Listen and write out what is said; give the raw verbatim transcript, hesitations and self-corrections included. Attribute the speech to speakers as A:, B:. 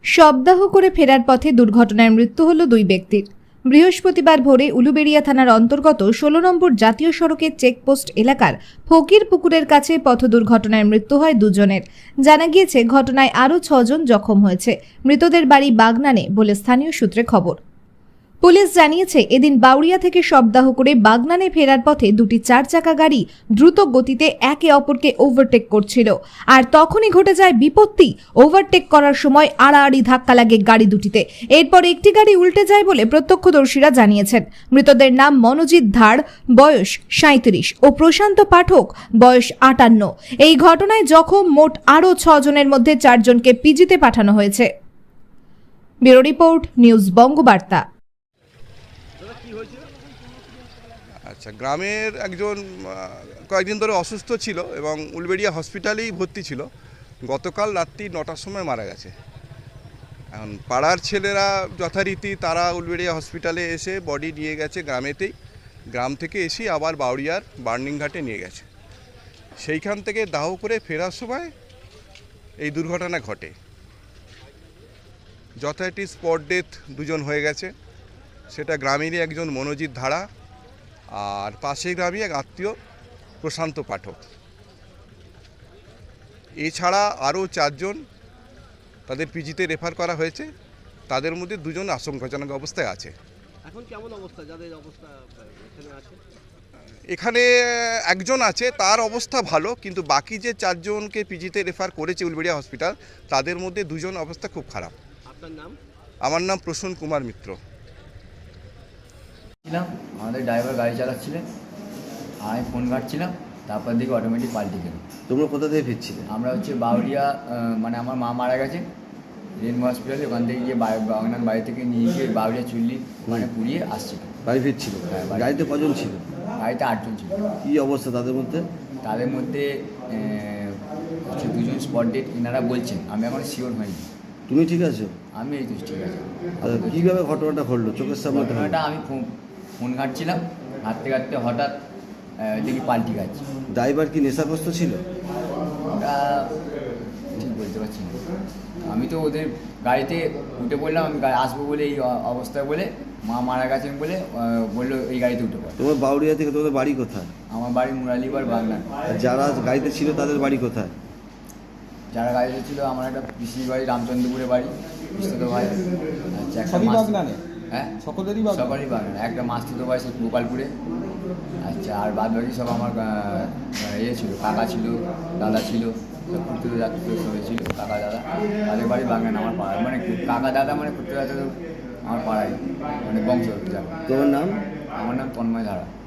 A: শবদাহ করে ফেরার পথে দুর্ঘটনায় মৃত্যু হল দুই ব্যক্তির। বৃহস্পতিবার ভোরে উলুবেড়িয়া থানার অন্তর্গত ষোলো নম্বর জাতীয় সড়কের চেকপোস্ট এলাকার ফকির পুকুরের কাছে পথ দুর্ঘটনায় মৃত্যু হয় দুজনের। জানা গিয়েছে ঘটনায় আরও ছজন জখম হয়েছে। মৃতদের বাড়ি বাগনানে বলে স্থানীয় সূত্রে খবর। পুলিশ জানিয়েছে, এদিন বাউরিয়া থেকে শবদাহ করে বাগনানে ফেরার পথে দুটি চার চাকা গাড়ি দ্রুত গতিতে একে অপরকে ওভারটেক করছিল। আর তখনই ঘটে যায় বিপত্তি। ওভারটেক করার সময় আড়াআড়ি ধাক্কা লাগে গাড়ি দুটিতে। এরপর একটি গাড়ি উল্টে যায় বলে প্রত্যক্ষদর্শীরা জানিয়েছেন। মৃতদের নাম মনোজিৎ ধার, বয়স সাঁইত্রিশ, ও প্রশান্ত পাঠক, বয়স আটান্ন। এই ঘটনায় জখম মোট আরও ছজনের মধ্যে চারজনকে পিজিতে পাঠানো হয়েছে। Bureau report, news Bangabarta.
B: আচ্ছা, গ্রামের একজন কয়েকদিন ধরে অসুস্থ ছিল এবং উলবেড়িয়া হসপিটালেই ভর্তি ছিল। গতকাল রাত্রি নটার সময় মারা গেছে। এখন পাড়ার ছেলেরা যথারীতি তারা উলবেড়িয়া হসপিটালে এসে বডি নিয়ে গেছে গ্রামেতেই। গ্রাম থেকে এসে আবার বাউরিয়ার বার্নিং ঘাটে নিয়ে গেছে। সেইখান থেকে দাহ করে ফেরার সময় এই দুর্ঘটনা ঘটে। যথারীতি স্পট ডেথ দুজন হয়ে গেছে। সেটা গ্রামেরই একজন মনোজিৎ ধারা, আর পাশের গ্রামে এক আত্মীয় প্রশান্ত পাঠক। এছাড়া আরও চারজন তাদের পিজিতে রেফার করা হয়েছে। তাদের মধ্যে দুজন আশঙ্কাজনক অবস্থায় আছে।
C: এখন কেমন অবস্থা যাদের অবস্থা এখানে আছে?
B: এখানে একজন আছে, তার অবস্থা ভালো, কিন্তু বাকি যে চারজনকে পিজিতে রেফার করেছে উলবেড়িয়া হসপিটাল, তাদের মধ্যে দুজন অবস্থা খুব খারাপ।
C: আপনার নাম?
B: আমার নাম প্রসূন কুমার মিত্র।
D: আমাদের ড্রাইভার গাড়ি চালাচ্ছিলেন, আমি ফোন ঘাটছিলাম, তারপর দিকে অটোমেটিক পাল্টে গেল।
E: তোমরা কোথা থেকে ফিরছিলে?
D: আমরা হচ্ছে বাউরিয়া, মানে আমার মা মারা গেছে রেনবো হসপিটালে, ওখান থেকে গিয়ে বাগনান বাড়ি থেকে নিয়ে গিয়ে বাউরিয়া চুল্লি মানে পুড়িয়ে আসছিল।
E: বাড়ি ফিরছিল?
D: হ্যাঁ, বাড়ি।
E: গাড়িতে কজন ছিল?
D: গাড়িতে আটজন ছিল।
E: কী অবস্থা তাদের মধ্যে?
D: তাদের মধ্যে হচ্ছে দুজন স্পট ডেট এনারা বলছেন, আমি এখন শিওর হইনি।
E: তুমি ঠিক আছো?
D: আমি এই তো ঠিক আছে।
E: কীভাবে ঘটনাটা ঘটলো চোখের সামনে?
D: ঘটনাটা আমি ফোন ঘাটছিলাম, ঘাটতে ঘাটতে হঠাৎ দেখি পাল্টি গাছ।
E: ড্রাইভার কি নেশাগ্রস্ত ছিল?
D: ওটা ঠিক বলতে পারছি না। আমি তো ওদের গাড়িতে উঠে পড়লাম, আমি আসবো বলে এই অবস্থায় বলে, মা মারা গেছেন বলে বললো এই গাড়িতে উঠে পড়ে।
E: তোমার বাউরিয়া থেকে তোমাদের বাড়ি কোথায়?
D: আমার বাড়ি মুরালিবার বাগনান।
E: যারা গাড়িতে ছিল তাদের বাড়ি কোথায়?
D: যারা গাড়িতে ছিল আমার একটা পিসির বাড়ি রামচন্দ্রপুরে বাড়ি, পিস্তত ভাই। আচ্ছা, একটা
F: বাগনানে?
D: হ্যাঁ,
F: সকলেরই
D: সকলেরই বাগনান। একটা মাস্তুত ভাই সে গোপালপুরে। আচ্ছা, আর বাদ বাকি সব আমার ইয়ে ছিল, কাকা ছিল, দাদা ছিল, সব কুর্তুরে যাত্রী সবাই ছিল, কাকা দাদা। তাদের বাড়ি বাগান আমার পাড়ায়, মানে কাকা দাদা মানে কুর্তুরে যাত্রা আমার পাড়ায়, মানে বংশ।
E: তোমার নাম?
D: আমার নাম তন্ময় ধারা।